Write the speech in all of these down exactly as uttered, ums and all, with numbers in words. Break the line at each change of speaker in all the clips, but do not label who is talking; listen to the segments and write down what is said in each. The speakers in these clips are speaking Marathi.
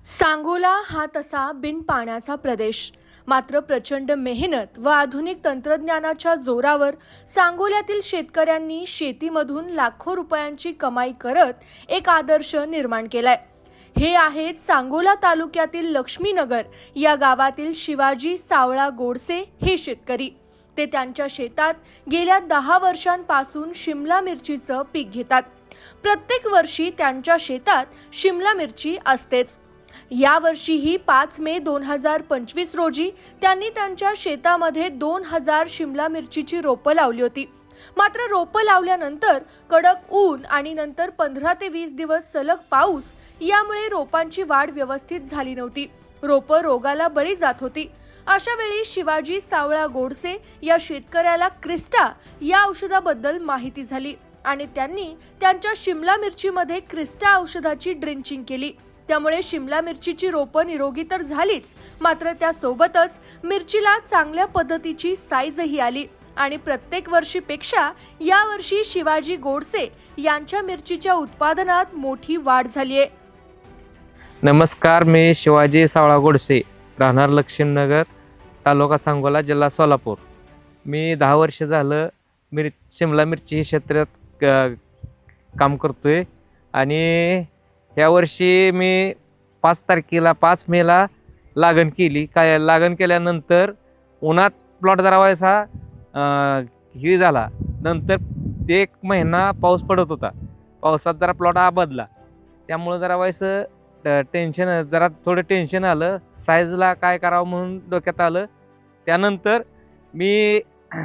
सांगोला हा तसा बिन पाण्याचा प्रदेश, मात्र प्रचंड मेहनत व आधुनिक तंत्रज्ञानाच्या जोरावर सांगोल्यातील शेतकऱ्यांनी शेतीमधून लाखो रुपयांची कमाई करत एक आदर्श निर्माण केलाय। हे आहेत सांगोला तालुक्यातील लक्ष्मीनगर या गावातील शिवाजी सावळा गोडसे हे शेतकरी। ते त्यांच्या शेतात गेल्या दहा वर्षांपासून शिमला मिरचीचं पीक घेतात। प्रत्येक वर्षी त्यांच्या शेतात शिमला मिरची असतेच। या वर्षीही पाच मे दोन हजार पंचवीस रोजी त्यांनी त्यांच्या शेतामध्ये दोन हजार शिमला मिरचीची रोपं लावली होती। मात्र रोपं लावल्यानंतर कडक ऊन आणि नंतर पंधरा ते वीस दिवस सलग पाऊस यामुळे रोपांची वाढ व्यवस्थित झाली नव्हती। रोपं रोगाला बळी जात होती। अशा वेळी शिवाजी सावळा गोडसे या शेतकऱ्याला क्रिस्टा या औषधाबद्दल माहिती झाली आणि त्यांनी त्यांच्या शिमला मिरचीमध्ये क्रिस्टा औषधाची ड्रिंचिंग केली। त्यामुळे शिमला मिरचीची रोपं निरोगी तर झालीच, मात्र त्यासोबतच मिरचीला चांगल्या पद्धतीची साईजही आली आणि प्रत्येक वर्षीपेक्षा यावर्षी शिवाजी गोडसे यांच्या मिरचीच्या उत्पादनात मोठी वाढ झाली आहे।
नमस्कार, मी शिवाजी सावळा गोडसे, राहणार लक्ष्मीनगर, तालुका सांगोला, जिल्हा सोलापूर। मी दहा वर्ष झालं मिर शिमला मिरची क्षेत्रात काम करतोय आणि यावर्षी मी पाच तारखेला पाच मेला लागण केली। काय लागण केल्यानंतर उन्हात प्लॉट जरा व्हायचा ही झाला। नंतर एक महिना पाऊस पडत होता, पावसात जरा प्लॉट आबदला, त्यामुळे जरा व्हायचं टेन्शन, जरा थोडं टेन्शन आलं। साईजला काय करावं म्हणून डोक्यात आलं। त्यानंतर मी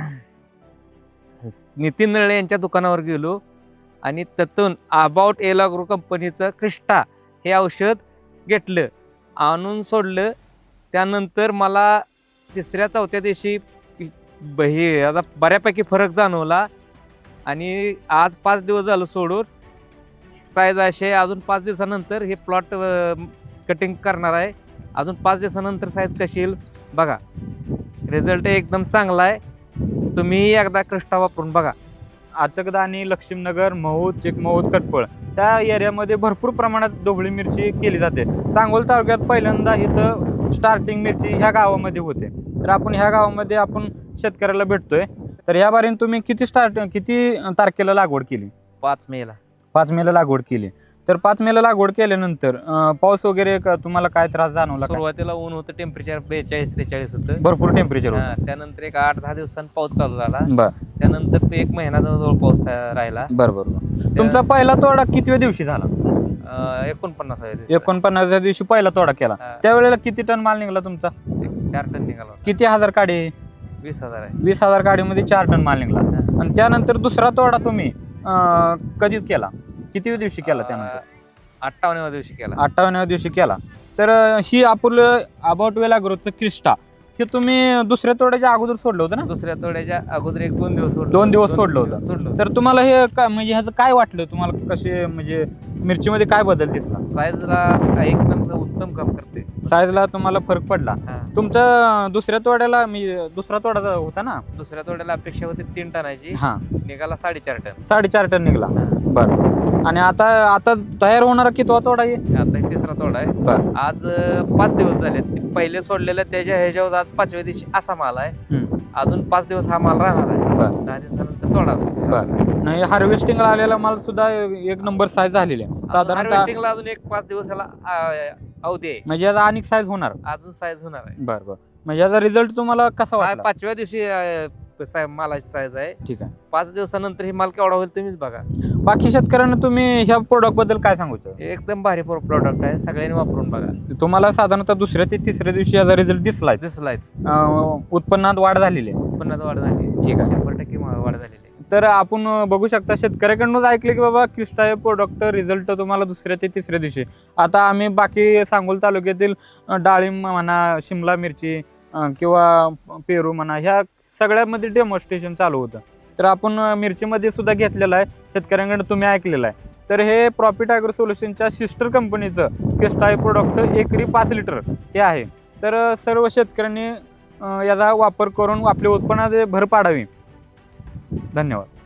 नितीन नळे यांच्या दुकानावर गेलो आणि त्यातून अबाउट एलाग्रो कंपनीचं क्रिस्टा हे औषध घेतलं, आणून सोडलं। त्यानंतर मला तिसऱ्या चौथ्या दिवशी हे आता बऱ्यापैकी फरक जाणवला आणि आज पाच दिवस झालं सोडून साईज असे अजून पाच दिवसानंतर हे प्लॉट कटिंग करणार आहे। अजून पाच दिवसानंतर साईज कशी येईल बघा। रिझल्ट एकदम चांगला आहे, तुम्ही एकदा क्रिस्टा वापरून बघा।
आचकदा आणि लक्ष्मीनगर, महूद, चिकमहूद, कटपळ त्या एरियामध्ये भरपूर प्रमाणात ढोबळी मिरची केली जाते। सांगोला तालुक्यात पहिल्यांदा इथं स्टार्टिंग मिरची ह्या गावामध्ये होते, तर आपण ह्या गावामध्ये आपण शेतकऱ्याला भेटतोय। तर ह्या बारीने तुम्ही किती स्टार्ट किती तारखेला लागवड केली?
पाच मेला
पाच मेला लागवड केली। तर पाच मेला लागवड केल्यानंतर पाऊस वगैरे तुम्हाला काय त्रास जाणवला?
सुरुवातीला ऊन होतं, टेम्परेचर बेचाळीस त्रेचाळीस होतं,
भरपूर टेम्परेचर होतं।
त्यानंतर एक आठ दहा दिवसांनी पाऊस चालू झाला।
बर,
त्यानंतर एक महिना जवळ पाऊस राहिला।
बरोबर। तुमचा पहिला तोडा कितव्या दिवशी झाला?
एकोणपन्नासाव्या दिवशी
एकोणपन्नासव्या दिवशी पहिला तोडा केला। त्यावेळेला किती टन माल निघाला तुमचा?
चार टन निघाला।
किती हजार काडी?
वीस हजार आहे।
वीस हजार काडीमध्ये चार टन माल निघाला। आणि त्यानंतर दुसरा तोडा तुम्ही कधीच केला? किती दिवशी केला? त्यानंतर
अठ्ठावन्नव्या दिवशी केला।
अठ्ठावन्नव्या दिवशी केला। तर ही आपलं अबाउट एलाग्रोचं क्रिस्टा हे तुम्ही दुसऱ्या तोड्याच्या अगोदर सोडलं होतं ना?
दुसऱ्या तोड्याच्या अगोदर एक दोन दिवस
दोन दिवस सोडलं होतं। तर तुम्हाला हे काय म्हणजे ह्याचं काय वाटलं तुम्हाला? कसे म्हणजे मिरचीमध्ये काय बदल दिसला?
साईजला एकदम उत्तम काम करते।
साईजला तुम्हाला फरक पडला? तुमच्या दुसऱ्या तोड्याला मी दुसरा तोडा होता ना?
दुसऱ्या तोड्याला अपेक्षा होती तीन टनाची,
हा
निघाला साडेचार टन
साडेचार टन निघाला। बरं। आणि आता आता तयार होणारा कितवा तोडा आहे?
आता तिसरा तोडा आहे।
बरं।
आज पाच दिवस झाले, पहिले सोडलेलं त्याच्या ह्याच्यावर आज पाचव्या दिवशी असा माल आहे। अजून पाच दिवस हा माल राहणार आहे। दहा दिवसानंतर तोडा।
बरं। नाही, हार्वेस्टिंगला आलेला माल सुद्धा एक नंबर साईज झालेली आहे
साधारणतः। अजून एक पाच दिवस याला अवधी आहे,
म्हणजे याचा अनेक साईज होणार,
अजून साईज होणार आहे।
बरं बरं। म्हणजे याचा रिझल्ट तुम्हाला कसा वाटला?
पाचव्या दिवशी मालाची साईज आहे।
ठीक आहे।
पाच दिवसानंतर ही माल केवढा होईल तुम्हीच बघा।
बाकी शेतकऱ्यांना तुम्ही ह्या प्रोडक्ट बद्दल काय सांगू इच्छिता?
एकदम भारी प्रोडक्ट आहे, सगळ्यांनी वापरून बघा।
तुम्हाला साधारणतः दुसऱ्या ते तिसऱ्या दिवशी याचा रिझल्ट दिसलाय?
दिसलायच।
उत्पन्नात वाढ झालेली आहे?
उत्पन्नात वाढ झाली।
ठीक आहे,
शंभर टक्के वाढ झालेली आहे।
तर आपण बघू शकता शेतकऱ्याकडूनच ऐकले की बाबा क्रिस्टा हे प्रोडक्ट रिझल्ट तुम्हाला दुसऱ्या ते तिसऱ्या दिवशी। आता आम्ही बाकी सांगोला तालुक्यातील डाळिंब म्हणा, शिमला मिरची किंवा पेरू म्हणा, ह्या सगळ्यामध्ये डेमॉन्स्ट्रेशन चालू होतं। तर आपण मिरचीमध्ये सुद्धा घेतलेलं आहे, शेतकऱ्यांकडे तुम्ही ऐकलेलं आहे। तर हे प्रॉफिट ॲग्रो सोल्युशनच्या सिस्टर कंपनीचं क्रिस्टा हे प्रोडक्ट एकरी पाच लिटर हे आहे। तर सर्व शेतकऱ्यांनी याचा वापर करून आपल्या उत्पन्नात भर पाडावी। धन्यवाद।